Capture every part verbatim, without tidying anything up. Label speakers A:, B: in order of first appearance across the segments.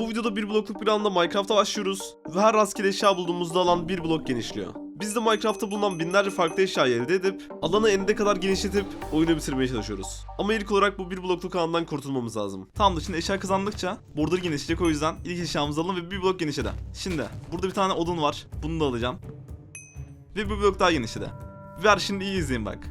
A: Bu videoda bir blokluk bir alanda Minecraft'a başlıyoruz ve her rastgele eşya bulduğumuzda alan bir blok genişliyor. Biz de Minecraft'ta bulunan binlerce farklı eşyayı elde edip alanı eninde kadar genişletip oyunu bitirmeye çalışıyoruz. Ama ilk olarak bu bir blokluk alandan kurtulmamız lazım. Tamam da şimdi eşya kazandıkça border genişleyecek, o yüzden ilk eşyamızı alalım ve bir blok genişledi. Şimdi burada bir tane odun var. Bunu da alacağım. Ve bir blok daha genişledi. Ver şimdi iyi izleyin bak.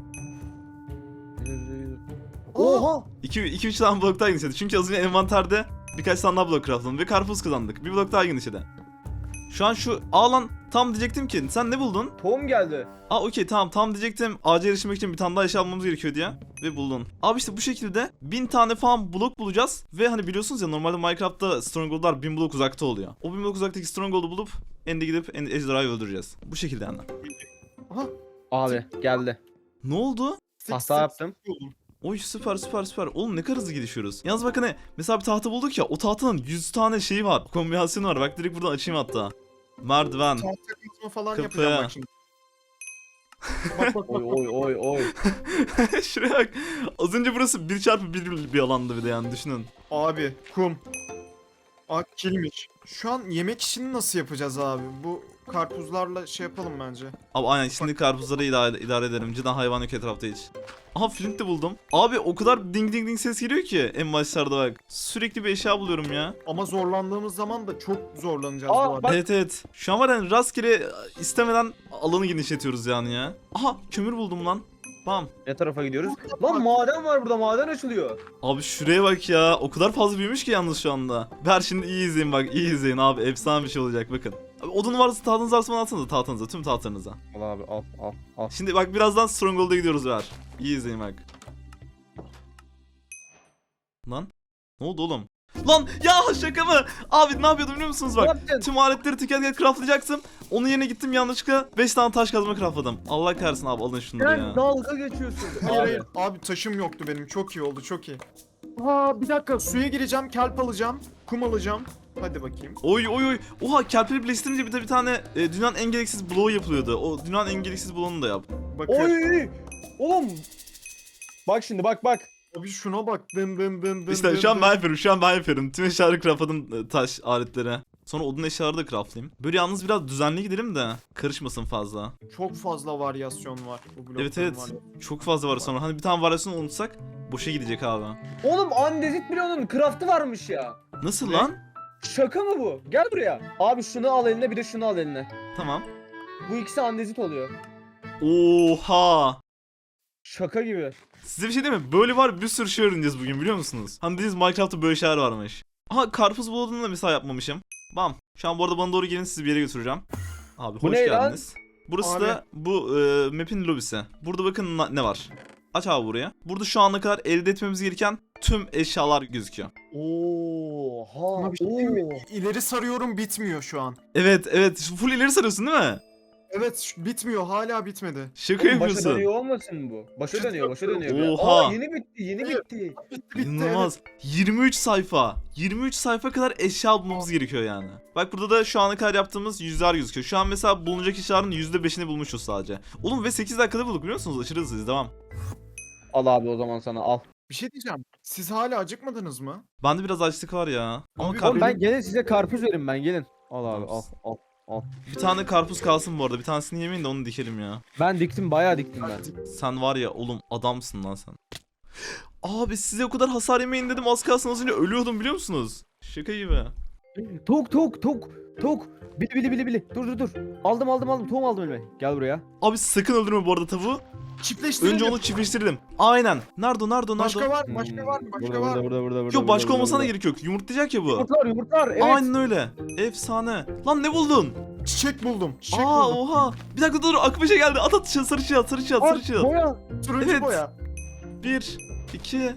B: Oha!
A: iki üç tane blok daha genişledi. Çünkü az önce envanterde birkaç tane daha blok craftladım ve karpuz kazandık. Bir blok daha genişledi. Şu an şu alan tam diyecektim ki sen ne buldun?
B: Tohum geldi.
A: Aa okey tamam tam diyecektim ağaca erişmek için bir tane daha eşya almamız gerekiyor diye. Ve buldun. Abi işte bu şekilde bin tane falan blok bulacağız. Ve hani biliyorsunuz ya normalde Minecraft'ta stronghold'lar bin blok uzakta oluyor. O bin blok uzaktaki stronghold'u bulup ende gidip en ejderhayı öldüreceğiz. Bu şekilde yani.
B: Aha. Abi geldi.
A: Ne oldu?
B: Hata yaptım.
A: Oy süper süper süper. Oğlum ne kadar hızlı gelişiyoruz. Yalnız bak hani mesela bir tahta bulduk ya, o tahtanın yüz tane şeyi var. Kombinasyonu var. Bak direkt buradan açayım hatta. Merdiven.
C: Tahta kısmı falan
A: Kapı.
C: yapacağım bak şimdi. Bak bak
B: Oy
C: bak.
B: oy oy oy.
A: Şuraya bak. Az önce burası bir çarpı bir bir alandı bir de yani düşünün.
C: Abi kum. Aa kilmiş. Şu an yemek işini nasıl yapacağız abi? Bu karpuzlarla şey yapalım bence.
A: Abi aynen şimdi karpuzları idare, idare ederim. Cidden hayvan yok etrafta hiç. Aha flint de buldum. Abi o kadar ding ding ding ses geliyor ki en başlarda bak. Sürekli bir eşya buluyorum ya.
C: Ama zorlandığımız zaman da çok zorlanacağız
B: Aa,
C: bu arada.
B: bak-
A: Evet evet. Şu an var yani rastgele istemeden alanı genişletiyoruz yani ya. Aha kömür buldum lan. Bam.
B: Ne tarafa gidiyoruz? Lan maden var burada, maden açılıyor.
A: Abi şuraya bak ya. O kadar fazla büyümüş ki yalnız şu anda. Ver şimdi iyi izleyin bak. İyi izleyin abi. Efsane bir şey olacak bakın. Abi odun varsa tahtınız varsa bana atsanıza tahtınıza. Tüm tahtlarınıza.
B: Al abi al al al.
A: Şimdi bak birazdan Stronghold'a gidiyoruz ver. İyi izleyin bak. Lan. Ne oldu oğlum? Lan ya şaka mı? Abi ne yapıyordum biliyor musunuz
B: Ne
A: bak.
B: yaptın?
A: Tüm aletleri teker teker craftlayacaktım. Onun yerine gittim yanlışlıkla beş tane taş kazma craftladım. Allah kahretsin abi alın şunları
B: Sen
A: ya.
B: dalga geçiyorsun.
C: Hayır
B: Abi.
C: hayır. Abi taşım yoktu benim. Çok iyi oldu çok iyi. Aa bir dakika suya gireceğim. Kelp alacağım. Kum alacağım. Hadi bakayım.
A: Oy oy oy. Oha kelpleri birleştirince bir de bir tane e, dünyanın en gereksiz bloğu yapılıyordu. O dünyanın en gereksiz bloğunu da yap.
C: Bakın.
B: Oy! Oğlum. Bak şimdi bak bak.
C: Abi şuna bak. Dın dın dın dın.
A: İşte
C: dın
A: şu an
C: dın.
A: ben yapıyorum. Şu an ben yapıyorum. Tüm eşyaları craftladım e, taş aletleri. Sonra odun eşyaları da craftlayayım. Böyle yalnız biraz düzenli gidelim de karışmasın fazla.
C: Çok fazla varyasyon var bu blokların
A: Evet evet.
C: var.
A: Çok fazla var sonra. Hani bir tane varyasyon unutsak boşa gidecek abi.
B: Oğlum andezit bile onun craft'ı varmış ya.
A: Nasıl
C: Ne?
A: lan?
B: Şaka mı bu? Gel buraya. Abi şunu al eline, bir de şunu al eline.
A: Tamam.
B: Bu ikisi andezit oluyor.
A: Oha.
B: Şaka gibi.
A: Size bir şey diyeyim mi? Böyle var bir sürü şey öğreneceğiz bugün biliyor musunuz? Hani diyeceğiz Minecraft'ta böyle şeyler varmış. Aha karpuz bulduğunu da mesela yapmamışım. Bam. Şu an bu arada bana doğru gelin, sizi bir yere götüreceğim. Abi
B: Bu
A: hoş
B: ne lan?
A: geldiniz. Burası
C: Abi.
A: da bu e, map'in lobisi. Burada bakın na- ne var. Aç abi buraya. Burada şu ana kadar elde etmemiz gereken tüm eşyalar gözüküyor.
B: Oha.
C: Ama bir şey diyeyim mi? İleri sarıyorum bitmiyor şu an.
A: Evet evet. Full ileri sarıyorsun değil mi?
C: Evet şu- bitmiyor hala bitmedi.
A: Şaka
B: Oğlum, başa
A: yapıyorsun.
B: dönüyor olmasın bu? Başa
C: Çıtır
B: dönüyor, başa dönüyor.
A: Oha.
B: Aa, yeni bitti, yeni
C: Hayır.
B: bitti.
C: Bitti bitti.
A: İnanılmaz. yirmi üç sayfa. yirmi üç sayfa kadar eşya bulmamız gerekiyor yani. Bak burada da şu ana kadar yaptığımız yüzler gözüküyor. Şu an mesela bulunacak eşyaların yüzde beşini bulmuşuz sadece. Oğlum ve sekiz dakikada bulduk biliyor musunuz? Aşırı hızlıyız. Devam.
B: Al abi o zaman sana al.
C: Bir şey diyeceğim. Siz hala acıkmadınız mı?
A: Bende biraz açlık var ya. Ama
C: Abi,
A: kar-
B: Oğlum ben gelin size karpuz verin, ben gelin. Al abi al al al.
A: bir tane karpuz kalsın bu arada. Bir tanesini yemeyin de onu dikelim ya.
B: Ben diktim, bayağı diktim ben.
A: Sen var ya oğlum adamsın lan sen. Abi size o kadar hasar yemeyin dedim, az kalsın az önce ölüyordum biliyor musunuz? Şaka gibi.
B: Tok tok tok tok. Bili bili bili bili. Dur dur dur. Aldım aldım aldım. Tohum aldım elime. Gel buraya.
A: Abi sakın öldürme bu arada tavuğu.
C: Çiftleştirelim.
A: Önce onu çiftleştirdim. Aynen. Nerede o nerede o nerede?
C: Başka
A: o?
C: var mı? Başka var mı? Başka
B: burada,
C: var
B: burada,
C: mı?
B: burada burada burada.
A: Yok başka
B: burada,
A: olmasına da
B: burada.
A: gerek yok. Yumurtlayacak ya bu.
B: Yumurtlar yumurtlar. Evet.
A: Aynen öyle. Efsane. Lan ne buldun?
C: Çiçek buldum. Çiçek
A: Aa
C: buldum.
A: oha. Bir dakika dur aklıma şey geldi. At at çığ, sarı çığ, sarı çığ, sarı
B: Aa,
A: çığ.
B: boya.
C: Turuncu
A: Evet.
C: boya.
A: Bir, iki,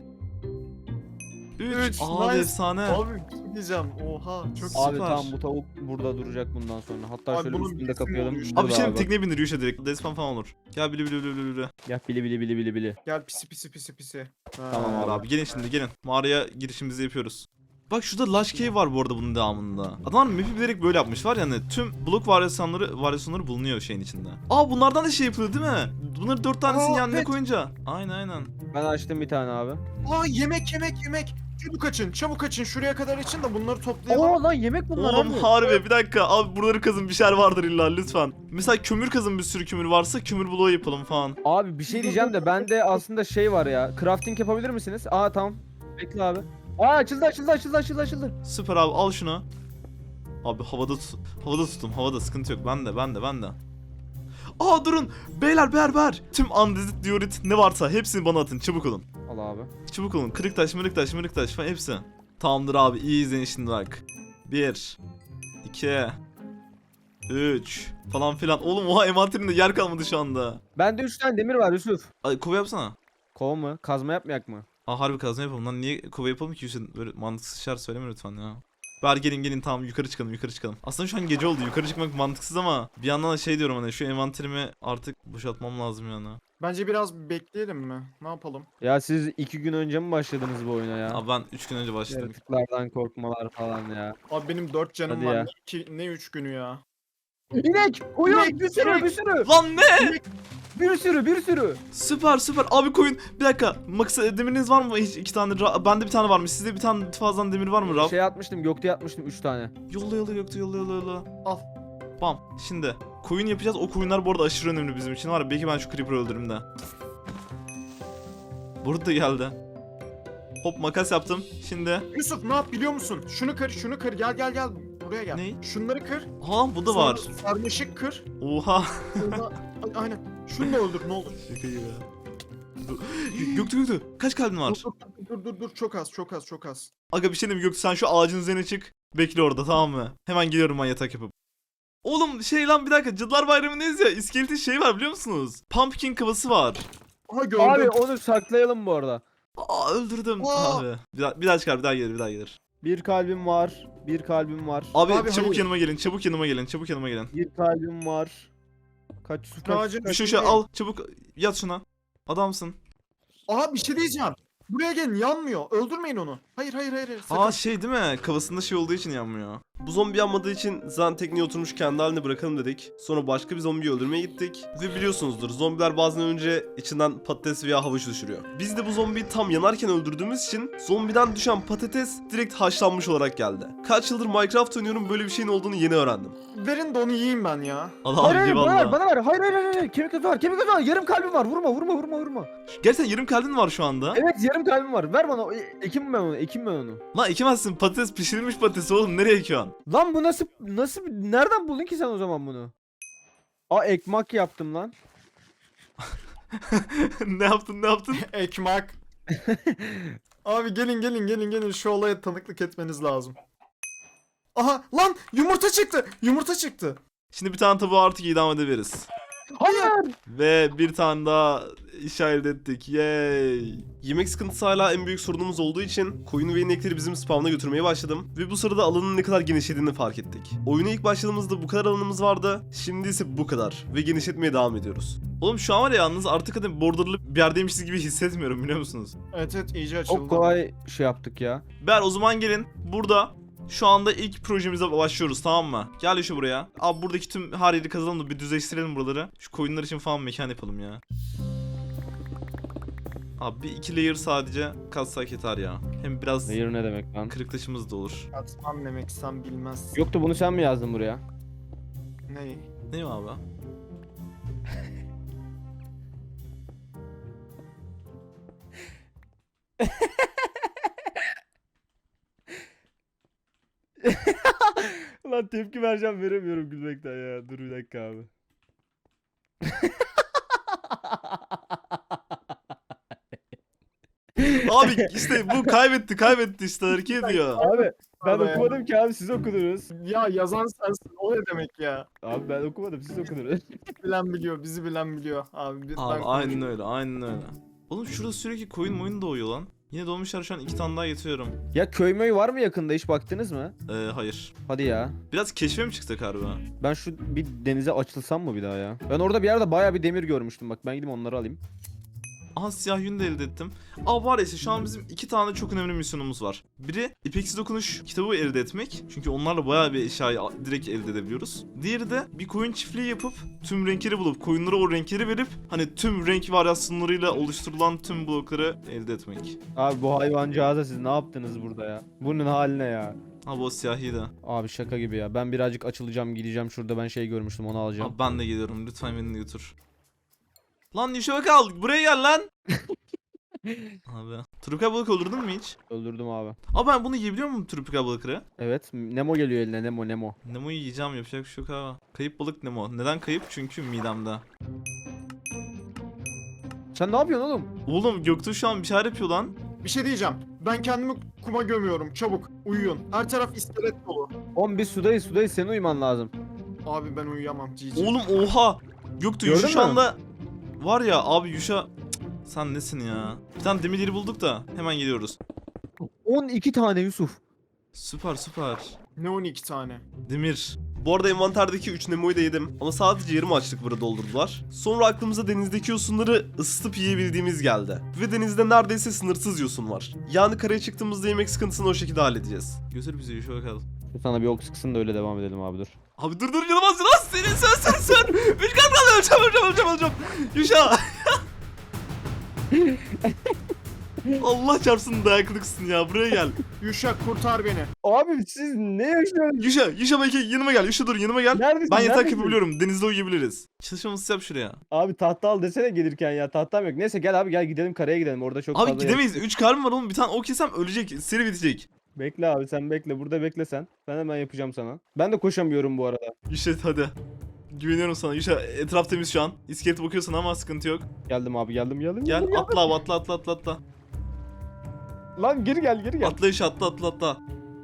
A: üç.
C: Üç,
A: Abi
C: nice.
A: efsane.
C: Abi bir şey diyeceğim. Oha çok
A: Süper.
B: Abi tamam, bu tavuk burada duracak bundan sonra. Hatta
C: Abi
B: şöyle
C: bunun
B: üstünde
C: birisi
B: kapayalım.
C: oluyor.
A: Abi
B: Burada
A: şimdi
B: bak.
A: tekneye bindir yuşa direkt. Despan falan olur. Gel bili bili bili bili bili.
B: Gel bili bili bili bili bili.
C: Gel pisi pisi pisi pisi. Ha.
B: Tamam
A: Abi.
B: abi.
A: abi gelin şimdi gelin. Mağaraya girişimizi yapıyoruz. Bak şurada Lush Cave var bu arada bunun devamında. Adamlar map'i bilerek böyle yapmış var yani tüm blok varyasyonları varyasyonları bulunuyor şeyin içinde. Aa bunlardan da şey yapılıyor değil mi? Bunları dört tanesini
C: Aa,
A: yanına
C: evet.
A: koyunca. Aynen aynen.
B: Ben açtım bir tane abi.
C: Aa yemek yemek yemek. Çabuk açın çabuk açın şuraya kadar açın da bunları toplayalım.
B: Oo lan yemek bunlar
A: Oğlum
B: abi.
A: harbi bir dakika abi buraları kazın bir şeyler vardır illa lütfen. Mesela kömür kazın bir sürü kömür varsa kömür bloğu yapalım falan.
B: Abi bir şey diyeceğim de bende aslında şey var ya. Crafting yapabilir misiniz? Aa tamam. Bekle abi. Aa açıldı açıldı açıldı açıldı açıldı.
A: Süper abi al şunu. Abi havada tut havada tuttum havada sıkıntı yok ben de ben de ben de. Aa durun beyler beyler beyler. Tüm andezit diorit ne varsa hepsini bana atın çabuk olun.
B: Al abi.
A: Çabuk olun kırık taş mırık taş mırık taş falan hepsi. Tamamdır abi iyi izleyin şimdi bak. Bir iki üç falan filan. Oğlum oha envanterimde yer kalmadı şu anda.
B: Bende üç tane demir var Yusuf.
A: Ay kova yapsana.
B: Kova mı? Kazma yapmayak mı?
A: Aa harbi kazma yapalım lan niye kova yapalım ki Hüseyin böyle mantıksız şeyler söyleme lütfen ya. Ver gelin gelin tamam yukarı çıkalım yukarı çıkalım. Aslında şu an gece oldu yukarı çıkmak mantıksız ama bir yandan da şey diyorum hani şu envanterimi artık boşaltmam lazım yani.
C: Bence biraz bekleyelim mi? Ne yapalım?
B: Ya siz iki gün önce mi başladınız bu oyuna ya?
A: Abi ben üç gün önce başladım.
B: Yaratıklardan korkmalar falan ya.
C: Abi benim dört canım
B: Hadi
C: var.
B: ya.
C: Ne, iki, ne üç günü ya?
B: İnek! Koyun!
C: İnek,
B: Bir sürü
C: inek.
B: bir sürü!
A: Lan ne?
B: Bir sürü bir sürü!
A: Süper süper abi koyun. Bir dakika maksa demiriniz var mı? Hiç iki tane. Ra- Bende bir tane varmış. Sizde bir tane fazladan demir var mı Rab?
B: Şey atmıştım gökte atmıştım üç tane.
A: Yolla yolla yoktu yolla yolla yolla.
C: Al.
A: Bam. Şimdi koyun yapacağız. O koyunlar bu arada aşırı önemli bizim için var ya. Belki ben şu creeper'ı öldürürüm de. Burada geldi. Hop makas yaptım. Şimdi.
C: Yusuf ne yap biliyor musun? Şunu kır şunu kır gel gel gel. Buraya gel.
A: Ne?
C: Şunları kır.
A: Ha bu da
C: sonra
A: var.
C: Sarmaşık kır.
A: Oha.
C: Sonra... A- Aynen. Şunu da öldür ne olur.
A: Şaka gibi. Göktü Göktü. Kaç kalbin var?
C: Dur, dur dur dur dur çok az çok az çok az.
A: Aga bir şey diyeyim mi Göktü sen şu ağacın üzerine çık. Bekle orada tamam mı? Hemen geliyorum ben yatak yapıp. Oğlum şey lan bir dakika Cadılar Bayramı'ndayız ya. İskeletin şey var biliyor musunuz? Pumpkin kafası var.
C: Aha gördüm.
B: Abi onu saklayalım bu arada.
A: Aa öldürdüm.
C: Aa!
A: Abi. Bir daha, bir daha çıkar bir daha gelir bir daha gelir.
B: Bir kalbim var. Bir kalbim var.
A: Abi,
C: Abi,
A: çabuk
C: hayır.
A: yanıma gelin çabuk yanıma gelin çabuk yanıma gelin.
B: Bir kalbim var. Kaç su kaç,
C: Ağacın
B: kaç-
A: Şu şu al çabuk yat şuna. Adamsın.
C: Aha bir şey diyeceğim. Buraya gelin yanmıyor. Öldürmeyin onu. Hayır hayır hayır. hayır. Sakın.
A: Aa şey değil mi? Kafasında şey olduğu için yanmıyor. Bu zombi yanmadığı için zaten tekneye oturmuş kendi haline bırakalım dedik. Sonra başka bir zombiyi öldürmeye gittik. Ve biliyorsunuzdur zombiler bazen önce içinden patates veya havuç düşürüyor. Biz de bu zombiyi tam yanarken öldürdüğümüz için zombiden düşen patates direkt haşlanmış olarak geldi. Kaç yıldır Minecraft oynuyorum böyle bir şeyin olduğunu yeni öğrendim.
C: Verin de onu yiyeyim ben ya.
A: Allah
B: Hayır hayır bana ver
A: eyvallah.
B: bana ver. Hayır hayır hayır. hayır. Kemik gözü var. Kemik gözü var. Yarım kalbim var. Vurma vurma vurma vurma.
A: Gerçekten yarım kalbin var şu anda.
B: Evet yarım kalbim var. Ver bana. E- Ekim ben onu. Ekim ben onu.
A: Lan ekemezsin patates pişirilmiş patates oğlum nereye ekiyorsun?
B: Lan bu nasıl nasıl nereden buldun ki sen o zaman bunu? Aa ekmek yaptım lan.
A: Ne yaptın ne yaptın?
C: Ekmek. Abi gelin gelin gelin gelin şu olaya tanıklık etmeniz lazım. Aha lan yumurta çıktı. Yumurta çıktı.
A: Şimdi bir tane tavuğu artık idam edebiliriz.
B: Hayır.
A: Ve bir tane daha iş elde ettik. Yay. Yemek sıkıntısı hala en büyük sorunumuz olduğu için koyunu ve inekleri bizim spawn'a götürmeye başladım. Ve bu sırada alanın ne kadar genişlediğini fark ettik. Oyuna ilk başladığımızda bu kadar alanımız vardı. Şimdi ise bu kadar. Ve genişletmeye devam ediyoruz. Oğlum şu an var ya yalnız artık hani borderlı bir yerdeymişiz gibi hissetmiyorum biliyor musunuz?
C: Evet evet iyice açıldı.
B: Çok kolay şey yaptık ya.
A: Ber o zaman gelin burada şu anda ilk projemize başlıyoruz tamam mı? Gel şu buraya. Abi buradaki tüm her yeri kazalım da bir düzleştirelim buraları. Şu koyunlar için falan mekan yapalım ya. Abi bir iki layer sadece kazsak yeter ya. Hem biraz
B: Hayır ne demek lan?
A: kırık taşımız da olur.
C: Katman demek sen bilmezsin.
B: Yoktu bunu sen mi yazdın buraya?
C: Ne?
A: Ne mi abi?
B: Lan tepki vereceğim veremiyorum gülmekten ya. Dur bir dakika abi.
A: Abi işte bu kaybetti kaybetti işte hareket ediyor.
B: Abi ben
C: Abi.
B: okumadım ki abi siz okudunuz.
C: Ya yazan sensin o ne demek ya?
B: Abi ben okumadım siz okudunuz.
C: Bilen biliyor bizi bilen biliyor. Abi, bi-
A: Abi
C: ben
A: aynen öyle aynen öyle. Oğlum şurada sürekli koyun moyun doğuyor lan. Yine doğmuşlar şu an iki tane daha getiriyorum.
B: Ya köy möy var mı yakında hiç baktınız mı?
A: Ee, hayır.
B: Hadi ya.
A: Biraz keşfe mi çıksak harbi?
B: Ben şu bir denize açılsam mı bir daha ya? Ben orada bir yerde bayağı bir demir görmüştüm bak ben gideyim onları alayım.
A: Aha siyah yün de elde ettim. Aa var ya işte şu an bizim iki tane çok önemli misyonumuz var. Biri ipeksi dokunuş kitabı elde etmek. Çünkü onlarla bayağı bir eşyayı direkt elde edebiliyoruz. Diğeri de bir koyun çiftliği yapıp tüm renkleri bulup koyunlara o renkleri verip hani tüm renk varyasyonlarıyla oluşturulan tüm blokları elde etmek.
B: Abi bu hayvancağıza siz ne yaptınız burada ya? Bunun haline ya.
A: Ha bu siyahi de.
B: Abi şaka gibi ya. Ben birazcık açılacağım, gideceğim. Şurada ben şey görmüştüm, onu alacağım.
A: Abi ben de geliyorum, lütfen beni de götür. Lan Yuşa kal, buraya gel lan. Abi. Tropikal balık öldürdün mü hiç?
B: Öldürdüm abi.
A: Abi ben bunu yiyebiliyor muyum tropikal balıkları?
B: Evet. Nemo geliyor eline. Nemo Nemo.
A: Nemo'yu yiyeceğim, yapacak bir şey yok abi. Kayıp balık Nemo. Neden kayıp? Çünkü midemde.
B: Sen ne yapıyorsun oğlum?
A: Oğlum Göktuğ şu an bir şeyler yapıyor lan.
C: Bir şey diyeceğim. Ben kendimi kuma gömüyorum. Çabuk uyuyun. Her taraf iskelet dolu.
B: Oğlum biz sudayız sudayız. Senin uyuman lazım.
C: Abi ben uyuyamam. Cici.
A: Oğlum oha. Göktuğ
B: Gördün
A: Yuşa şu
B: mü?
A: anda... Var ya abi Yuşa... Cık, sen nesin ya? Bir tane demirleri bulduk da hemen geliyoruz.
B: on iki tane Yusuf.
A: Süper süper.
C: Ne on iki tane?
A: Demir. Bu arada envanterdeki üç Nemo'yu da yedim. Ama sadece yarım açlık burada doldurdular. Sonra aklımıza denizdeki yosunları ısıtıp yiyebildiğimiz geldi. Ve denizde neredeyse sınırsız yosun var. Yani karaya çıktığımızda yemek sıkıntısını o şekilde halledeceğiz. Götür bizi Yuşa bakalım.
B: Sana bir ok sıksın da öyle devam edelim abi, dur.
A: Abi dur dur yanıma lan senin sen sen sen. Üç kat kaldı öleceğim öleceğim öleceğim öleceğim. Yuşa. Allah çarpsın dayaklıksın ya, buraya gel.
C: Yuşa kurtar beni.
B: Abi siz ne yaşıyorsunuz?
A: Yuşa, Yuşa belki yanıma gel. Yuşa dur yanıma gel.
B: Neredesin?
A: Ben yatak
B: Neredesin?
A: yapabiliyorum. Denizde uyuyabiliriz. Çalışmamızı yap şuraya.
B: Abi tahta al desene gelirken ya. Tahtam yok. Neyse gel abi gel gidelim karaya gidelim. Orada çok
A: Abi
B: fazla
A: gidemeyiz. üç kalbim var oğlum. Bir tane ok yesem ölecek. Seri bitecek.
B: Bekle abi sen bekle. Burada bekle sen. Ben hemen yapacağım sana. Ben de koşamıyorum bu arada.
A: Yuşa hadi. Güveniyorum sana. Yuşa etraf temiz şu an. İskelete bakıyorsun ama sıkıntı yok.
B: Geldim abi geldim geldim.
A: Gel
B: geldim,
A: atla abi atla atla atla atla.
B: geldim. Lan geri gel geri gel.
A: Atla Yuşa atla atla atla.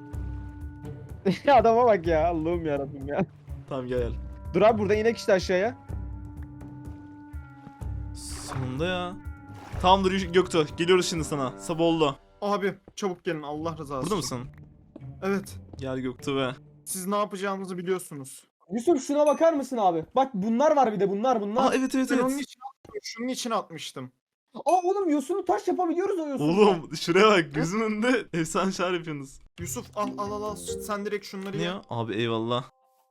B: Adama bak ya. Allah'ım yarabbim ya.
A: Tamam gel gel.
B: Dur abi burada inek işte aşağıya.
A: Sonunda ya. Tamamdır Yuşa- Göktuğ. Geliyoruz şimdi sana. Sabah oldu.
C: Abi çabuk gelin Allah rızası
A: Burada
C: için.
A: mısın?
C: Evet.
A: Gel Göktuğ be.
C: Siz ne yapacağınızı biliyorsunuz.
B: Yusuf şuna bakar mısın abi? Bak bunlar var bir de bunlar bunlar.
A: Aa evet evet
C: Ben onun
A: evet.
C: için atmıştım. Şunun için atmıştım.
B: Aa oğlum yosunu taş yapabiliyoruz o yosunu.
A: Oğlum şuraya bak, gözümün önünde efsane şeyler yapıyorsunuz.
C: Yusuf al al al al. Sen direkt şunları
A: Ne
C: ye.
A: ya? Abi eyvallah.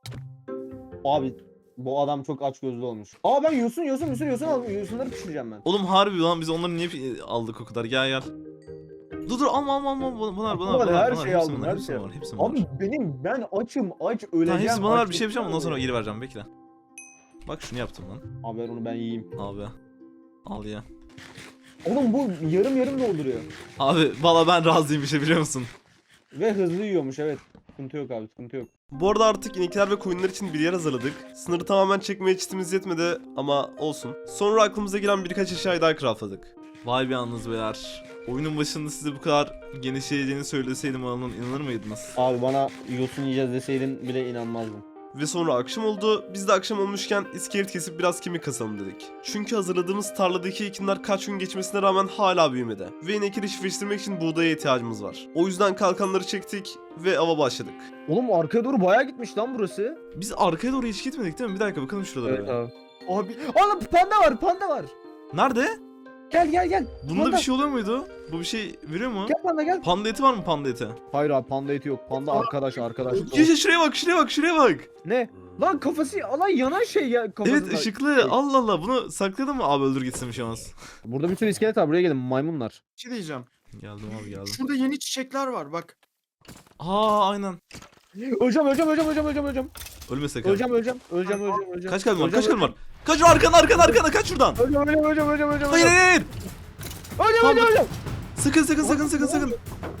B: Abi bu adam çok aç gözlü olmuş. Aa ben yosun yosun yosun yosun aldım. Yosunları pişireceğim ben.
A: Oğlum harbi lan, biz onları niye pi- aldık o kadar? Gel gel. Dur dur alma alma alma bunlar bunlar bunlar.
B: Bunlar,
A: bunlar,
B: her
A: bunlar.
B: şeyi
A: Hepsi
B: aldım,
A: bunlar,
B: her
A: hepsi
B: şeyi
A: var, hepsi var.
B: Abi benim ben açım aç öleceğim.
A: Tamam hepsi bana ver,
B: aç
A: bir şey yapacağım ondan sonra
B: öleceğim.
A: geri vereceğim, bekle. Bak şunu yaptım lan.
B: Abi ver onu ben yiyeyim.
A: Abi. Al ya.
B: Oğlum bu yarım yarım dolduruyor.
A: Abi valla ben razıyım bir şey, biliyor musun?
B: Ve hızlı yiyormuş evet. Sıkıntı yok abi sıkıntı yok.
A: Bu arada artık inekler ve koyunlar için bir yer hazırladık. Sınırı tamamen çekmeye çitimiz yetmedi ama olsun. Sonra aklımıza gelen birkaç eşyayı daha craftladık. Vay be yalnız beyler. Oyunun başında size bu kadar genişleyeceğini söyleseydim alanın inanır mıydınız?
B: Abi bana yosun yiyeceğiz deseydin bile inanmazdım.
A: Ve sonra akşam oldu. Biz de akşam olmuşken iskelet kesip biraz kemik kasalım dedik. Çünkü hazırladığımız tarladaki ekinler kaç gün geçmesine rağmen hala büyümedi. Ve inekleri çiftleştirmek için buğdaya ihtiyacımız var. O yüzden kalkanları çektik ve ava başladık.
B: Oğlum arkaya doğru bayağı gitmiş lan burası.
A: Biz arkaya doğru hiç gitmedik değil mi? Bir dakika bakalım şuralara.
B: Evet
A: bir.
B: abi.
C: Abi
B: Oğlum panda var panda var.
A: Nerede?
B: Gel gel gel.
A: Bunda
B: Panda.
A: bir şey oluyor muydu? Bu bir şey veriyor mu?
B: Gel panda gel.
A: Panda eti var mı, panda eti?
B: Hayır abi panda eti yok. Panda arkadaş arkadaş.
A: Yaşa şuraya bak, şuraya bak, şuraya bak.
B: Ne? Lan kafası lan yanan şey ya kafasında.
A: Evet ışıklı. Allah Allah, bunu sakladın mı? Abi öldür gitsin bir şey olmaz.
B: Burada bir sürü iskelet var buraya gelin maymunlar.
C: bir şey diyeceğim.
A: Geldim abi geldim.
C: Şurada yeni çiçekler var bak.
A: Aa aynen.
B: Öleceğim öleceğim öleceğim öleceğim öleceğim öleceğim.
A: Ölme sakın.
B: Öleceğim öleceğim öleceğim öleceğim öleceğim.
A: Kaç kalbin var?
B: Öleceğim,
A: Kaç kalbin var? Kaç arkana arkana arkana kaç şuradan.
B: Öleceğim öleceğim öleceğim öleceğim öleceğim.
A: Hayır hayır hayır.
B: Öleceğim
A: Tamam,
B: öleceğim öleceğim.
A: Sakın sakın sakın sakın sakın.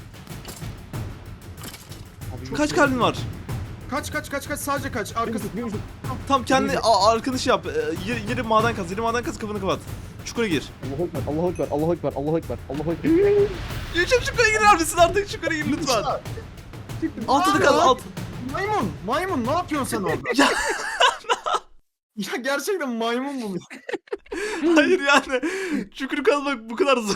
A: Kaç kalbin var?
C: Kaç kaç kaç kaç sadece kaç. Arkası.
B: Bir buçuk.
A: Tam kendi a- arkadaşı yap. Ee, Yeri, yeri maden kaz. Yeri maden kaz, kapını kapat. Çukura gir.
B: Allahu ekber Allahu ekber Allahu ekber Allahu ekber Allahu ekber.
A: Yücüm çukura girer misin artık? Çukura gir lütfen. Altını kaz alt.
C: Maymun. Maymun ne yapıyorsun sen orada?
A: Ya.
C: Ya gerçekten maymun bulmuş.
A: Hayır yani. Çukuru kazmak bu kadar zor.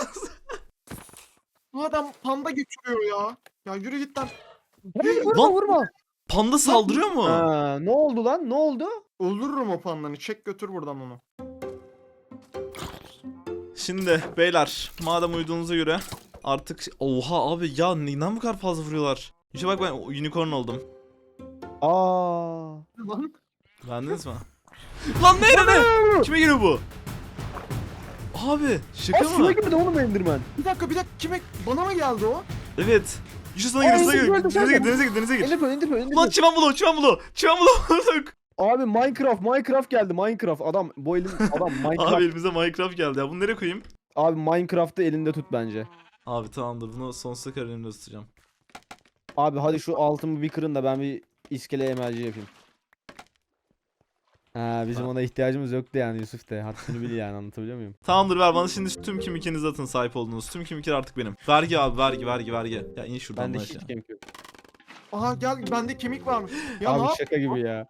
C: Bu adam panda götürüyor ya. Ya yürü git lan.
B: Hayır, vurma
A: Lan.
B: vurma.
A: Panda saldırıyor mu?
B: Ha, ne oldu lan ne oldu?
C: Öldürürüm o pandanı. Çek götür buradan onu.
A: Şimdi beyler madem uyuduğunuza göre artık oha abi ya neden bu kadar fazla vuruyorlar? İşte bak ben unicorn oldum.
B: Aa.
C: Lan.
A: Beğendiniz mi? Lan ne ne? Kime geliyor bu? Abi şaka
B: Aa, suya
A: mı?
B: girdi oğlum Enderman.
C: Bir dakika bir dakika kime bana mı geldi o?
A: Evet. Yusuf sana
B: Aa,
A: gir, sana
B: Enderman,
A: gir. Denize
B: Enderman.
A: gir, denize gir, denize gir.
B: Enderman, Enderman,
A: Lan
B: Enderman.
A: çimen bulu, çimen bulu. Çimen bulu bulduk.
B: Abi Minecraft, Minecraft geldi. Minecraft. Adam bu elin adam Minecraft.
A: Abi elimize Minecraft geldi ya. Bunu nereye koyayım?
B: Abi Minecraft'ı elinde tut bence.
A: Abi tamamdır. Bunu sonsuza kadar elimde tutacağım.
B: Abi hadi şu altımı bir kırın da ben bir iskele emelci yapayım. Ha bizim
A: Ha.
B: ona ihtiyacımız yoktu yani Yusuf de. Haddini bil yani, anlatabiliyor muyum?
A: Tamamdır ver bana şimdi tüm kimikinizi atın sahip olduğunuz. Tüm kimikler artık benim. Vergi abi vergi vergi vergi. Ya in şuradan
B: Ben de
A: lan
B: hiç
A: aşağı.
B: kemik yok.
C: Aha gel bende kemik varmış. Ya ne
B: Abi
C: yap?
B: şaka gibi ya.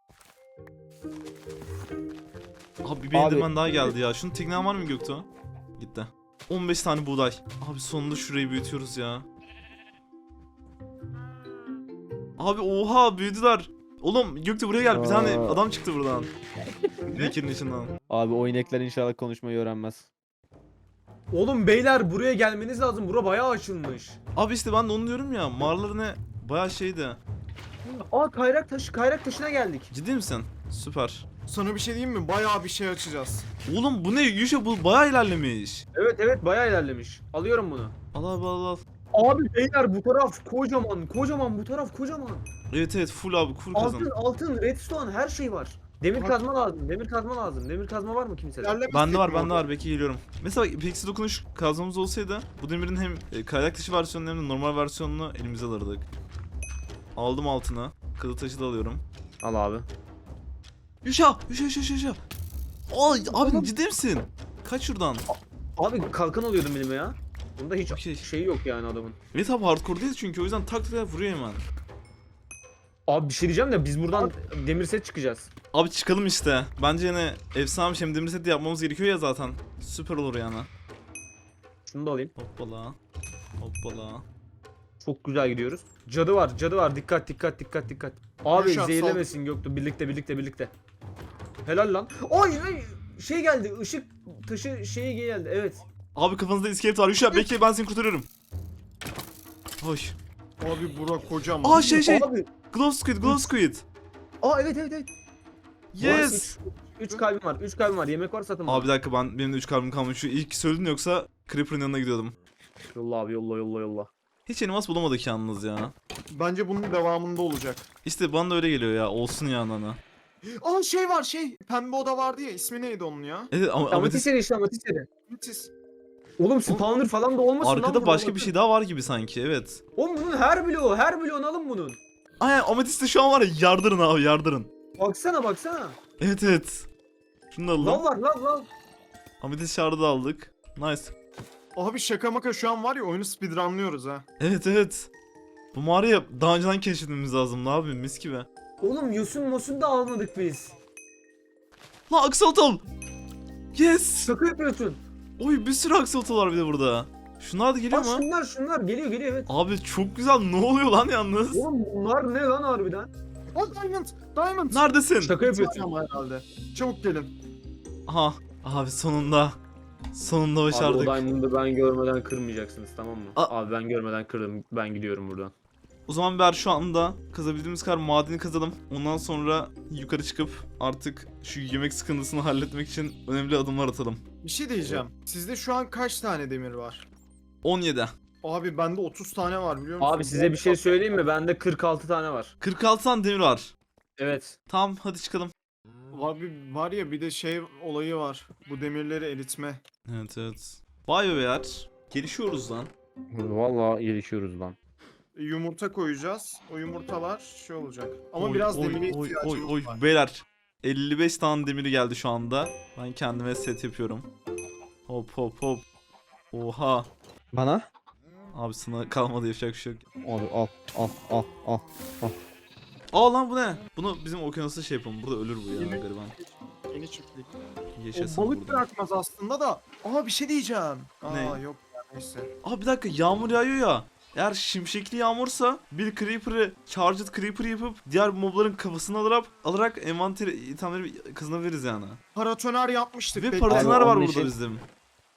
A: Abi bir
B: Abi-
A: Enderman daha geldi ya. Şunun teknen var mı Göktuğ? Gitti. on beş tane buğday. Abi sonunda şurayı büyütüyoruz ya. Abi oha büyüdüler. Oğlum Göktuğ buraya gel. Bir tane
B: Aa.
A: adam çıktı buradan. Nekir'in içinden.
B: Abi o inekler inşallah konuşmayı öğrenmez.
D: Oğlum beyler buraya gelmeniz lazım. Bura bayağı açılmış.
A: Abi işte ben de onu diyorum ya. Mağaraları ne? Bayağı şeydi.
D: Aa kayrak taşı, kayrak taşına geldik.
A: Ciddi misin? Süper.
C: Sana bir şey diyeyim mi? Bayağı bir şey açacağız.
A: Oğlum bu ne? Yuşa bu bayağı ilerlemiş.
D: Evet evet bayağı ilerlemiş. Alıyorum bunu.
A: Al abi al al.
D: Abi beyler bu taraf kocaman, kocaman bu taraf kocaman.
A: Evet evet full abi full kazan.
D: Altın, altın, redstone her şey var. Demir
C: Bak-
D: kazma lazım, demir kazma lazım. Demir kazma var mı kimsede?
C: İlerlemesek
A: Bende var
C: mi
A: bende
C: orada?
A: var belki geliyorum. Mesela Pixie dokunuş kazmamız olsaydı bu demirin hem e, kaynak dışı versiyonunu hem de normal versiyonunu elimize alırdık. Aldım altına. Kızıl taşı da alıyorum.
D: Al abi.
A: Yuşa! Yuşa yuşa yuşa yuşa! Ay abi ciddi misin? Kaç şuradan.
D: Abi kalkan alıyordum elime ya. Bunda hiç
A: Okey.
D: şey yok yani adamın.
A: Evet abi hardcore değil çünkü o yüzden tak tak vuruyor hemen.
D: Abi bir şey diyeceğim de biz buradan demir set çıkacağız.
A: Abi çıkalım işte. Bence yine efsane bir şey. Hem demir seti yapmamız gerekiyor ya zaten. Süper olur yani.
D: Şunu da alayım.
A: Hoppala. Hoppala.
D: Çok güzel gidiyoruz. Cadı var, cadı var. Dikkat, dikkat, dikkat, dikkat. Abi
C: Yaşar,
D: zehirlemesin Göktuğ. Birlikte, birlikte, birlikte. Helal lan. Ay, ay, şey geldi. Işık taşı şeyi geldi. Evet.
A: Abi kafanızda iskelet var. Yuşa bekle ben seni kurtarıyorum. Hoş.
C: Abi bura kocaman.
A: Aa şey şey.
D: Abi.
A: Glow squid, glow squid.
D: Aa evet evet evet.
A: Yes.
D: üç kalbim var. üç kalbim var. Yemek var satın.
A: Abi bir dakika ben benim de üç kalbim kalmış. Şu ilk söyledin yoksa Creeper'ın yanına gidiyordum.
D: Yolla abi yolla yolla yolla.
A: Hiç elmas bulamadık yalnız ya.
C: Bence bunun devamında olacak.
A: İşte bana da öyle geliyor ya. Olsun ya nana.
C: Aa şey var şey. Pembe oda vardı ya. İsmi neydi onun ya?
A: Evet ama
D: Amatist
A: ametist
D: seri işte amatist seri.
C: Müthiş.
D: Oğlum spawner falan da olmasın lan
A: arkada
D: burada,
A: başka
D: bakın.
A: bir şey daha var gibi sanki evet.
D: Oğlum bunun her bloğu, her bloğunu alın bunun.
A: Ay ametiste şu an var ya yardırın abi yardırın.
D: Baksana baksana.
A: Evet evet. Şunu da
D: Lav
A: alalım.
D: var lav lav.
A: Ametist şardı da aldık. Nice.
C: Abi şaka maka şu an var ya oyunu speedrunlıyoruz ha.
A: Evet evet. Bu mağarayı daha önceden keşfetmemiz lazım. Ne yapayım mis gibi.
D: Oğlum yosun mosun da almadık biz.
A: Lan aksolotl. Yes.
D: Şaka yapıyorsun.
A: Oy bir sürü aksolotl var bir de burada. Şunlar da geliyor
D: Bak
A: mu?
D: şunlar şunlar geliyor geliyor evet.
A: Abi çok güzel. Ne oluyor lan yalnız?
D: Oğlum bunlar ne lan harbiden?
C: Aa diamond. Diamond.
A: Neredesin?
D: Şaka yapıyorsun.
C: Ama herhalde. Çabuk gelin.
A: Aha. Abi sonunda. Sonunda
D: Abi o
A: başardık.
D: diamond'ı ben görmeden kırmayacaksınız tamam mı?
A: A-
D: Abi ben görmeden kırdım. Ben gidiyorum buradan.
A: O zaman ver şu anda kazabildiğimiz kadar madeni kazalım. Ondan sonra yukarı çıkıp artık şu yemek sıkıntısını halletmek için önemli adımlar atalım.
C: Bir şey diyeceğim. Sizde şu an kaç tane demir var?
A: on yedi.
C: Abi bende otuz tane var biliyor musun?
D: Abi size bir şey söyleyeyim mi? Bende kırk altı tane var.
A: kırk altı tane demir var.
D: Evet.
A: Tamam hadi çıkalım.
C: Abi var ya bir de şey olayı var. Bu demirleri eritme.
A: Evet evet. Vay be beyler. Gelişiyoruz lan.
B: Vallahi gelişiyoruz lan.
C: Yumurta koyacağız. O yumurtalar şey olacak. Ama
A: Oy,
C: biraz
A: oy,
C: demire
A: oy,
C: ihtiyacımız
A: oy, oy.
C: var.
A: Beyler elli beş tane demiri geldi şu anda. Ben kendime set yapıyorum. Hop hop hop. Oha.
B: Bana?
A: Abi sana kalmadı yapacak bir şey yok.
B: Abi al al al al.
A: Aa lan bu ne? Bunu bizim okyanusta şey yapalım. Burada ölür bu ya
C: Yemek-
A: gariban.
C: Yeni çiftlik.
A: Yaşasın
C: O balık
A: burada.
C: bırakmaz aslında da. Aa bir şey diyeceğim. Aa
A: Ne?
C: yok ya neyse.
A: Aa bir dakika yağmur yağıyor ya. Eğer şimşekli yağmursa bir creeper'ı charged creeper yapıp diğer mobların kafasını alarak alarak envanteri itemleri kazanabiliriz yani.
C: Paratoner yapmıştık.
A: Ve
C: bekle.
A: paratoner
B: Abi,
A: var
B: onun
A: burada
B: için-
A: bizim.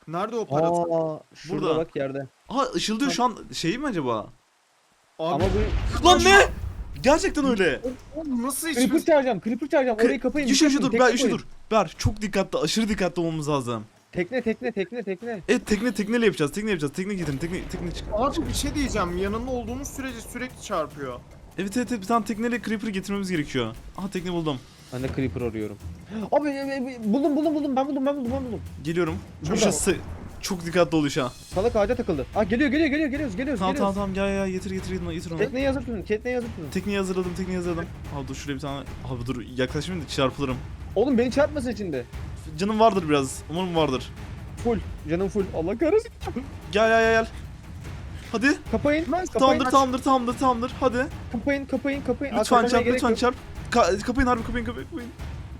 C: Nerede o para?
B: Aa, şurada
A: Burada.
B: bak yerde.
A: Aha ışıldıyor şu an şey mi acaba?
C: Abi
B: Ama bu
A: Lan ne? Gerçekten öyle.
C: oğlum nasıl
B: Creeper
C: hiçbir...
B: çağıracağım, Creeper çağıracağım. Orayı kapayın.
A: Yuşa
B: dikkat
A: şu dur,
B: edin,
A: Ber,
B: tekne
A: Yuşa
B: koyun.
A: dur. Ber, çok dikkatli, aşırı dikkatli olmamız lazım.
B: Tekne, tekne, tekne, tekne.
A: Evet, tekne tekneyle yapacağız, tekne yapacağız. Tekne getirin, tekne, tekne çık.
C: Abi bir şey diyeceğim. Yanında olduğumuz sürece sürekli çarpıyor.
A: Evet evet evet, bir tane tekneyle Creeper'ı getirmemiz gerekiyor. Aha tekne buldum.
B: Ben de Creeper arıyorum. Abi e, e, buldum, buldum, buldum. Ben buldum, ben buldum, ben buldum.
A: Geliyorum.
B: Burada.
A: Yuşa sı- çok dikkatli ol Yuşa.
B: Salak ağaca takıldı. Aa geliyor, geliyor, geliyor, geliyoruz, geliyoruz,
A: Tamam tamam
B: geliyoruz.
A: tamam, gel gel getir getir getir, getir onu.
B: Tekneyi hazır tutun, tekneyi hazır tutun.
A: Tekneyi hazırladım, tekneyi hazırladım. Abi dur şuraya bir tane. Abi dur yaklaşmayayım da çarpılırım.
B: Oğlum beni çarpmasın içinde.
A: Canım vardır biraz. Umarım vardır.
B: Full, canım full. Allah kahretsin.
A: Gel gel gel gel. Hadi.
B: Kapayın, kapayın,
A: Tamamdır
B: aç.
A: tamamdır tamamdır tamamdır. Hadi.
B: Kapayın, kapayın, kapayın. Aa,
A: Lütfen
B: kapamaya
A: çarp
B: gerek
A: lütfen
B: yok.
A: çarp. Ka- kapayın harbi, kapayın kapayın kapayın.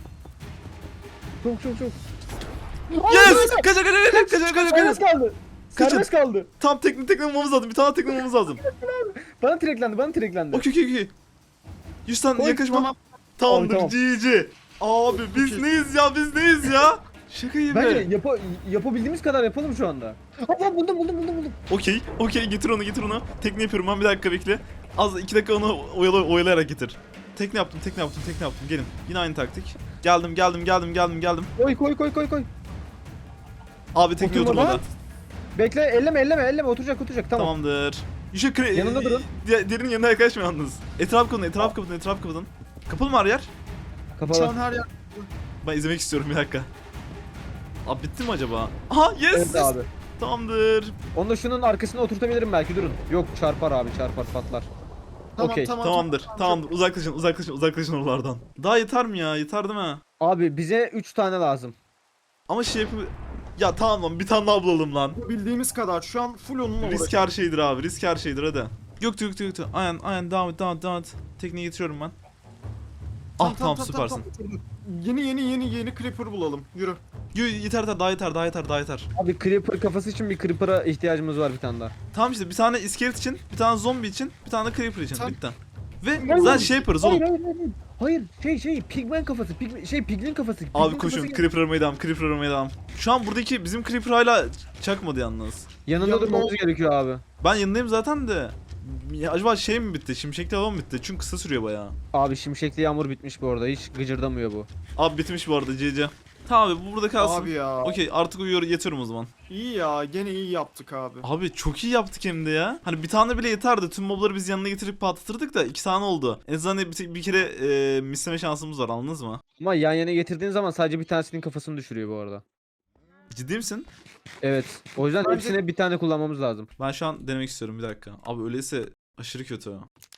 B: Çok çok çok.
A: Yes! Kaçın kaçın kaçın kaçın kaçın
B: Serbest
A: kaçın.
B: kaldı.
A: Kaçın.
B: Serbest kaldı.
A: Tam tekne tekne bulmamız lazım. Bir tane tekne bulmamız lazım.
B: Bana treklendi, bana treklendi.
A: Okey okey okey. Yüzden
B: Koy,
A: yaklaşma.
C: tamam.
A: Tamamdır
B: Tamam,
A: G G. Abi biz
C: Okey.
A: neyiz ya, biz neyiz ya? Şaka gibi.
B: Bence yapa, yapabildiğimiz kadar yapalım şu anda. Aa buldum, buldum, buldum, buldum.
A: Okey okey, getir onu getir onu. Tekne yapıyorum ben, bir dakika bekle. Az iki dakika onu oyala, oyalayarak getir. Tekne yaptım tekne yaptım tekne yaptım, gelin. Yine aynı taktik. Geldim geldim geldim geldim geldim.
B: Koy, koy, koy, koy, koy.
A: Abi tekne
B: Oturmadan.
A: oturmadı.
B: Bekle, elleme, elleme, elleme. Oturacak, oturacak. Tamam.
A: Tamamdır. Yuşa kre...
B: Yanında durun.
A: Di- Diğerinin yanına yaklaşma yalnız. Etraf kapatın, etraf kapatın, etraf kapatın. Kapalı mı her yer?
C: Şu
B: Kapalı.
C: an her yer...
A: Ben izlemek istiyorum, bir dakika. Abi bitti mi acaba? Aha yes!
B: Evet abi.
A: Tamamdır.
B: Onu da şunun arkasına oturtabilirim belki, durun. Yok çarpar abi, çarpar, patlar.
C: Tamam,
B: Okey.
C: tamam,
A: Tamamdır.
C: tamam,
A: Tamamdır. Uzaklaşın, uzaklaşın, uzaklaşın oralardan. Daha yeter mi ya? Yeter değil mi?
B: Abi bize üç tane lazım.
A: Ama şey yapı... Ya tamam lan, bir tane daha bulalım lan.
C: çok. Bildiğimiz kadar. Şu an full onunla
A: Risk
C: uğraşıyoruz.
A: her şeydir abi. Risk her şeydir, hadi. Göktü göktü göktü. Aynen aynen, devam et devam et devam et. Tekneyi getiriyorum ben. Ah tamam, süpersin.
C: tamam. Yeni yeni yeni yeni Creeper bulalım. Yürü.
A: Yo, yeter yeter, daha yeter daha yeter daha yeter.
B: Abi Creeper kafası için bir Creeper'a ihtiyacımız var bir tane daha.
A: Tamam işte, bir tane iskelet için, bir tane zombi için, bir tane de creeper için.
C: Sen-
A: Bitti. Ve
B: Hayır,
A: zaten şey yaparız oğlum.
B: Hayır, hayır, hayır. Hayır, şey şey pigmen kafası, pigmen, şey piglin kafası.
A: Abi
B: piglin
A: koşun,
B: kafası-
A: creeper aramaya devam, creeper aramaya devam. Şu an buradaki bizim creeper hala çakmadı yalnız.
B: Yanında
C: Yanında
B: durmamız
C: ol-
B: gerekiyor abi.
A: Ben yanındayım zaten de. Ya acaba şey mi bitti? Şimşekli hava mı bitti? Çünkü kısa sürüyor bayağı.
B: Abi şimşekli yağmur bitmiş bu arada, hiç gıcırdamıyor bu.
A: Abi bitmiş bu arada C C. Tamam abi, bu burada kalsın.
C: Abi ya.
A: Okey, artık uyuyor, yatıyorum o zaman.
C: İyi ya. Gene iyi yaptık abi.
A: Abi çok iyi yaptık hem de ya. Hani bir tane bile yeterdi. Tüm mobları biz yanına getirip patlatırdık da iki tane oldu. En azından bir, bir kere e, misleme şansımız var, anladınız mı?
B: Ama yan yana getirdiğin zaman sadece bir tanesinin kafasını düşürüyor bu arada.
A: Ciddi misin?
B: Evet. O yüzden
C: Bence-
B: hepsine bir tane kullanmamız lazım.
A: Ben şu an denemek istiyorum, bir dakika. Abi öyleyse aşırı kötü.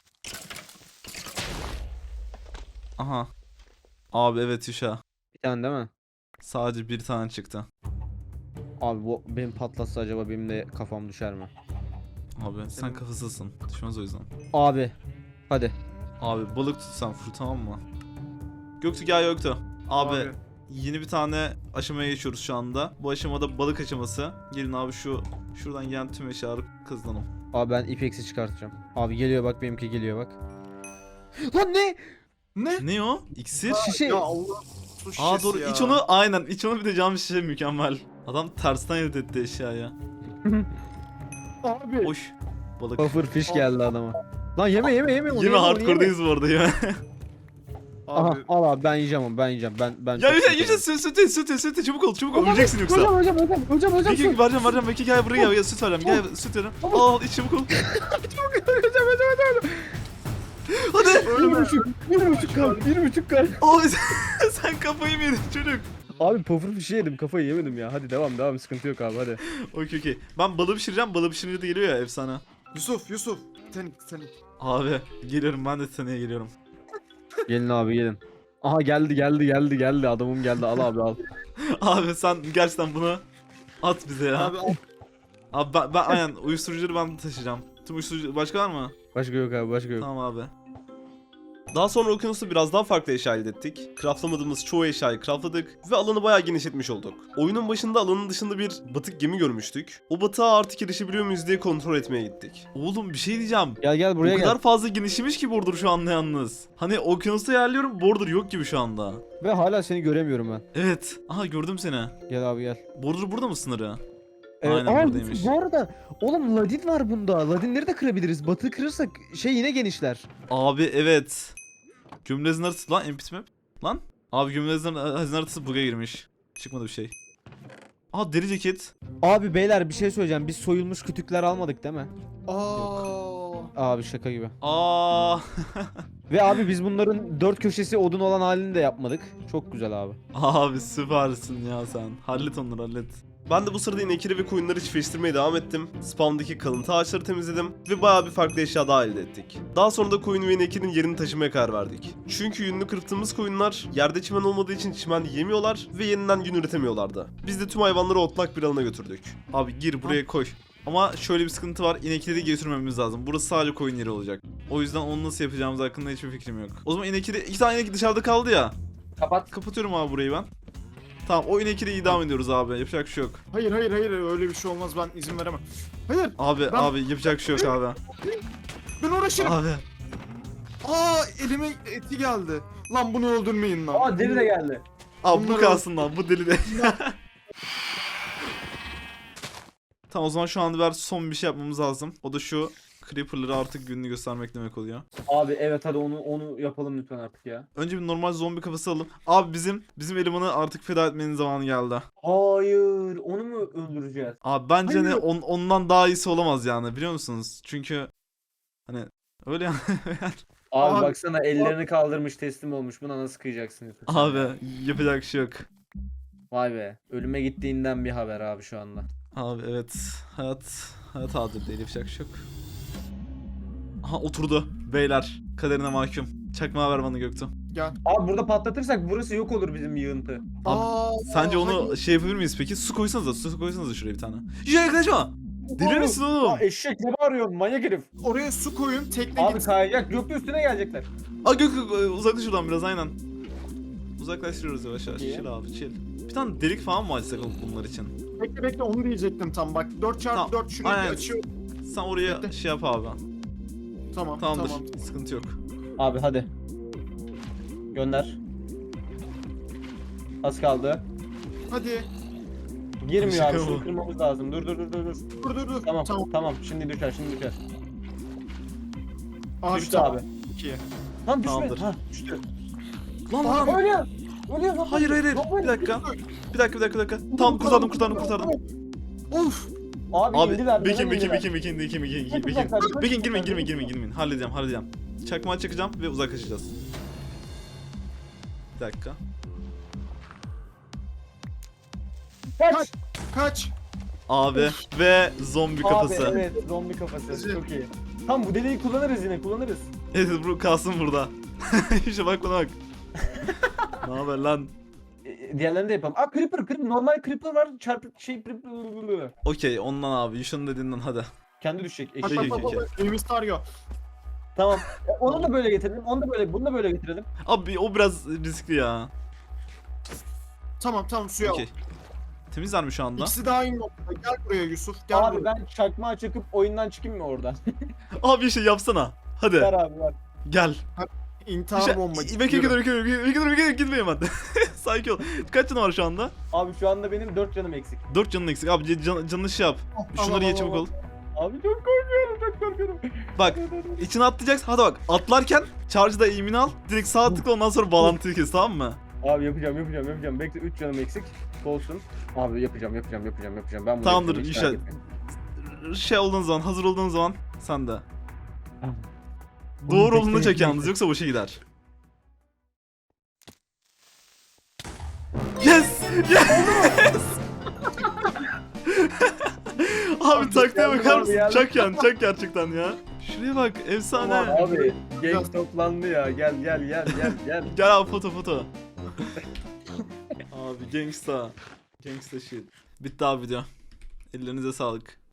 A: Aha. Abi evet Yuşa.
B: Bir tane değil mi?
A: Sadece bir tane çıktı.
B: Abi bu benim patlatsa acaba benim de kafam düşer mi?
A: Abi sen kafasızsın. Düşmez o yüzden.
B: Abi. Hadi.
A: Abi balık tutsan full, tamam mı? Göktü gel Göktü. Abi,
C: Abi.
A: yeni bir tane aşamaya geçiyoruz şu anda. Bu aşamada balık aşaması. Gelin abi şu şuradan gelen tüm eşyaları kazanalım.
B: Abi ben ipeksi çıkartacağım. Abi geliyor bak, benimki geliyor bak. Lan ne?
C: Ne?
A: Ne o? İksir?
B: Şişe.
C: Ya Allah. Su
A: Aa
C: şişesi
A: doğru,
C: ya.
A: iç onu, aynen iç onu, bir de cam şişe, mükemmel. Adam tersten elde etti eşyaya.
C: Abi.
A: Hoş. Balık.
B: Puffer fish geldi adama. Lan yeme yeme yeme. onu
A: Yine
B: yeme, onu
A: hardcore'dayız bu arada ya.
B: Aha
C: Abi.
B: al abi, ben yiyeceğim onu, ben yiyeceğim. Ben ben
A: Ya
B: çok
A: Yuşa
B: severim.
A: Yuşa süt süt süt süt süt çabuk ol çabuk ol,
B: Hocam,
A: öleceksin yoksa.
B: Hocam hocam hocam hocam hocam.
A: Peki vereceğim vereceğim, Peki gel buraya gel, gel süt vereceğim, gel süt vereceğim. Al al iç çabuk ol.
B: Hocam hocam hocam.
A: Hadi.
B: Bir buçuk, bir buçuk kalp, bir buçuk kalp.
A: Abi sen, sen kafayı mı yedin çocuk?
B: Abi puffer fish'i yedim, kafayı yemedim ya. Hadi devam devam, sıkıntı yok abi, hadi.
A: Okey okey. Ben balığı pişireceğim, balığı pişirince de geliyor ya efsane.
C: Yusuf Yusuf. Titanik Titanik.
A: Abi geliyorum, ben de seneye geliyorum.
B: Gelin abi gelin. Aha geldi geldi geldi geldi, adamım geldi, al abi al.
A: Abi sen gerçekten bunu at bize ya.
C: Abi al.
A: Abi ben, ben aynen uyuşturucuları ben taşıyacağım. Tüm uyuşturucu başka var mı?
B: Başka yok abi, başka yok.
A: Tamam abi. Daha sonra okyanusta biraz daha farklı eşya elde ettik. Craftlamadığımız çoğu eşyayı craftladık ve alanı bayağı genişletmiş olduk. Oyunun başında alanın dışında bir batık gemi görmüştük. O batığa artık erişebiliyor muyuz diye kontrol etmeye gittik. Oğlum bir şey diyeceğim.
B: Gel gel buraya
A: o
B: gel.
A: kadar fazla genişlemiş ki border şu anda yalnız. Hani okyanusta yerliyorum, border yok gibi şu anda.
B: Ve hala seni göremiyorum ben.
A: Evet. Aha gördüm seni.
B: Gel abi gel.
A: Border burada mı sınırı?
B: Ee,
A: Aynen
B: aa,
A: buradaymış.
B: Bu arada oğlum ladin var bunda. Ladinleri de kırabiliriz. Batı kırırsak şey yine genişler.
A: Abi evet. Gömülü hazine haritası lan N P C map. Lan. Abi gömülü hazine hazine haritası bug'a girmiş. Çıkmadı bir şey. Aa deri ceket.
B: Abi beyler bir şey söyleyeceğim. Biz soyulmuş kütükler almadık değil mi?
C: Aa.
B: Abi şaka gibi.
A: Aa.
B: Ve abi biz bunların dört köşesi odun olan halini de yapmadık. Çok güzel abi.
A: Abi süpersin ya sen. Hallet onları hallet. Ben de bu sırada inekleri ve koyunları çiftleştirmeye devam ettim. Spawn'daki kalıntı ağaçları temizledim ve bayağı bir farklı eşya daha elde ettik. Daha sonra da koyun ve ineklerin yerini taşımaya karar verdik. Çünkü yününü kırptığımız koyunlar yerde çimen olmadığı için çimen yemiyorlar ve yeniden yün üretemiyorlardı. Biz de tüm hayvanları otlak bir alana götürdük. Abi gir buraya koy. Ama şöyle bir sıkıntı var. İnekleri götürmememiz lazım. Burası sadece koyun yeri olacak. O yüzden onu nasıl yapacağımız hakkında hiçbir fikrim yok. O zaman inekleri iki tane inek dışarıda kaldı ya.
B: Kapat.
A: Kapatıyorum abi burayı ben. Tamam o inekleri idam ediyoruz abi. Yapacak bir şey yok.
C: Hayır hayır hayır öyle bir şey olmaz, ben izin veremem. Hayır,
A: Abi
C: Ben-
A: abi yapacak bir şey yok abi.
C: ben uğraşırım.
A: Abi.
C: Aa, elime eti geldi. Lan bunu öldürmeyin lan.
B: Aa deri de geldi.
A: Abi bu
C: Bunları-
A: kalsın lan bu deli de. Tamam o zaman şu anda ver son bir şey yapmamız lazım. O da şu Creeper'ları artık gününü göstermek demek oluyor.
B: Abi evet hadi onu onu yapalım lütfen artık ya.
A: Önce bir normal zombi kafası alalım. Abi bizim bizim elemanı artık feda etmenin zamanı geldi.
B: Hayır, onu mu öldüreceğiz?
A: Abi bence
C: Hayır.
A: ne on, ondan daha iyisi olamaz yani biliyor musunuz? Çünkü hani öyle yani.
B: Abi,
C: Abi-
B: baksana ellerini kaldırmış teslim olmuş. Buna nasıl kıyacaksın Yusuf?
A: Abi yapacak bir şey yok.
B: Vay be. Ölüme gittiğinden bir haber abi şu anda.
A: Abi evet hayat hayat adil değil yapacak bir şey yok. Aha oturdu beyler kaderine mahkum. Çakmağı ver bana Göktuğ.
C: Gel.
B: Abi burada patlatırsak burası yok olur bizim yığıntı.
C: Aa,
A: Sence onu
C: hayır.
A: şey yapabilir miyiz peki? Su koysanıza su koysanıza şuraya bir tane. Ya yaklaşma. Deli misin oğlum?
B: Eşek ne bağırıyorsun manyak herif.
C: Oraya su koyun, tekne
B: Abi
C: gitsin.
B: kayacak gökte üstüne gelecekler.
A: Aa Gök Gök, uzaklaş şuradan biraz aynen. Uzaklaştırıyoruz yavaş yavaş.
B: İyi.
A: Chill abi chill. Bir tane delik falan mı açsak bunlar için?
C: Bekle bekle, onu diyecektim tam bak. dört çarpı dört şurayı
A: Aynen.
C: bir açıyor.
A: Sen oraya
C: Bekle.
A: şey yap abi.
C: Tamam
A: Tamamdır.
C: tamam.
A: Sıkıntı yok.
B: Abi hadi. Gönder. Az kaldı.
C: Hadi.
B: Girmiyor
A: Şaka
B: abi
A: bu.
B: şunu kırmamız lazım. Dur dur dur dur. dur.
C: Dur dur dur.
B: Tamam
C: Tamam.
B: tamam şimdi düşer şimdi düşer.
C: Abi,
B: Düştü
C: tamam.
B: abi.
C: İki.
B: Lan düşme.
A: Tamamdır.
B: Ha düştü.
A: Lan
C: Aa,
A: lan.
B: Ölüyor. Ölüyor lan.
A: Hayır hayır hayır. Bir dakika. Bir dakika bir dakika bir dakika. Tamam kurtardım kurtardım kurtardım.
C: Of.
B: Abi,
A: Abi
B: indiler.
A: Bekin
B: neden
A: Bekin
B: indiler?
A: Bekin Bekin Bekin Bekin
B: Çok
A: Bekin
B: uzaklar, çok
A: Bekin
B: uzaklar,
A: girmeyin
B: çok
A: girmeyin girmeyin
B: uzaklar.
A: girmeyin. Halledeceğim halledeceğim. Çakmağı çakacağım ve uzaklaşacağız. Bir dakika.
B: Kaç.
C: Kaç.
A: Abi ve zombi kafası.
B: Abi evet zombi kafası.
C: Güzel.
B: Çok iyi. Tam bu deliği kullanırız yine kullanırız.
A: Evet bu kalsın burada. İşte bak bana bak. Ne haber lan?
B: E, diğerlerini de yapalım. Aa creeper creeper normal creeper var çarpı şey creeper.
A: Okey ondan abi Yuşan'ın dediğinden hadi.
B: Kendi düşecek.
C: Bak
B: Eşek.
A: Peki,
C: bak bak
A: peki.
C: bak. Evimiz tarıyor.
B: Tamam. E, onu da böyle getirelim. Onu da böyle bunu da böyle getirelim.
A: Abi o biraz riskli ya.
C: Tamam tamam, suya al.
A: Okey. Temizler mi şu anda?
C: İkisi daha iyi noktada. Gel buraya Yusuf. Gel
B: Abi
C: buraya.
B: ben çakmağı çakıp oyundan çıkayım mı oradan?
A: Abi bir şey yapsana. Hadi
B: Ver abi ver.
A: gel.
C: İntihar
A: Bir şey...
C: bombacı.
A: Bekle
C: Yürü.
A: dur bekle dur bekle dur bekle gitme hemen. Sakin ol. Kaç canı var şu anda?
B: Abi şu anda benim dört canım eksik.
A: dört canın eksik. Abi can, canını şey yap.
C: Al,
A: Şunları
C: al,
A: ye
C: al,
A: çabuk
C: al.
A: ol.
B: Abi çok korkuyorum çok korkuyorum.
A: Bak içine atlayacaksın. Hadi bak atlarken charge'da eğimini al. Direkt sağ tıkla ondan sonra bağlantıyı kes tamam mı?
B: Abi yapacağım yapacağım yapacağım. Bekle üç canım eksik. Olsun. Abi yapacağım yapacağım yapacağım yapacağım. Ben bunu
A: Tamamdır,
B: yapacağım, hiç
A: inşallah.
B: merak etmeyin.
A: Şey olduğun zaman hazır olduğun zaman sen de.
B: Tamam.
A: Doğru
B: Oğlum,
A: olduğunu
B: bekle,
A: çek
B: bekle.
A: yalnız yoksa boşa gider. Yes! Yes! Abi taktiğe
B: geldim
A: bakar
B: abi,
A: mısın?
B: geldim.
A: Çak yani çak gerçekten ya. Şuraya bak efsane.
B: Abi gang toplandı ya. Gel gel gel gel gel.
A: Gel abi foto foto. Abi gangsta. Gangsta shit. Bitti abi video. Ellerinize sağlık.